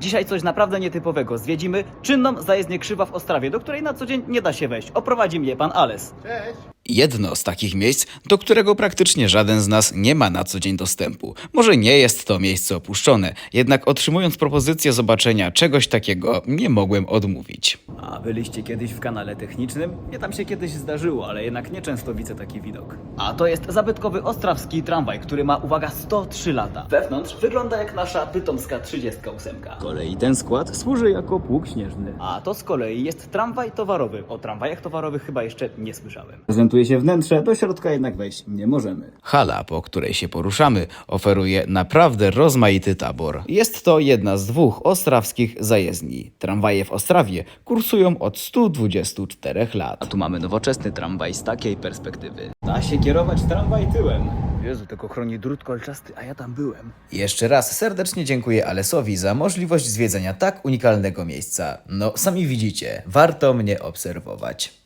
Dzisiaj coś naprawdę nietypowego. Zwiedzimy czynną zajezdnię Krzywa w Ostrawie, do której na co dzień nie da się wejść. Oprowadzi mnie pan Ales. Cześć! Jedno z takich miejsc, do którego praktycznie żaden z nas nie ma na co dzień dostępu. Może nie jest to miejsce opuszczone, jednak otrzymując propozycję zobaczenia czegoś takiego, nie mogłem odmówić. A byliście kiedyś w kanale technicznym? Mnie tam się kiedyś zdarzyło, ale jednak nieczęsto widzę taki widok. A to jest zabytkowy ostrawski tramwaj, który ma, uwaga, 103 lata. Wewnątrz wygląda jak nasza pytomska 38. Z kolei ten skład służy jako pług śnieżny. A to z kolei jest tramwaj towarowy. O tramwajach towarowych chyba jeszcze nie słyszałem. Prezentuje się wnętrze, do środka jednak wejść nie możemy. Hala, po której się poruszamy, oferuje naprawdę rozmaity tabor. Jest to jedna z dwóch ostrawskich zajezdni. Tramwaje w Ostrawie kursują od 124 lat. A tu mamy nowoczesny tramwaj z takiej perspektywy. Da się kierować tramwaj tyłem. Jezu, tego chroni drut kolczasty, a ja tam byłem. Jeszcze raz serdecznie dziękuję Alesowi za możliwość zwiedzenia tak unikalnego miejsca. No, sami widzicie, warto mnie obserwować.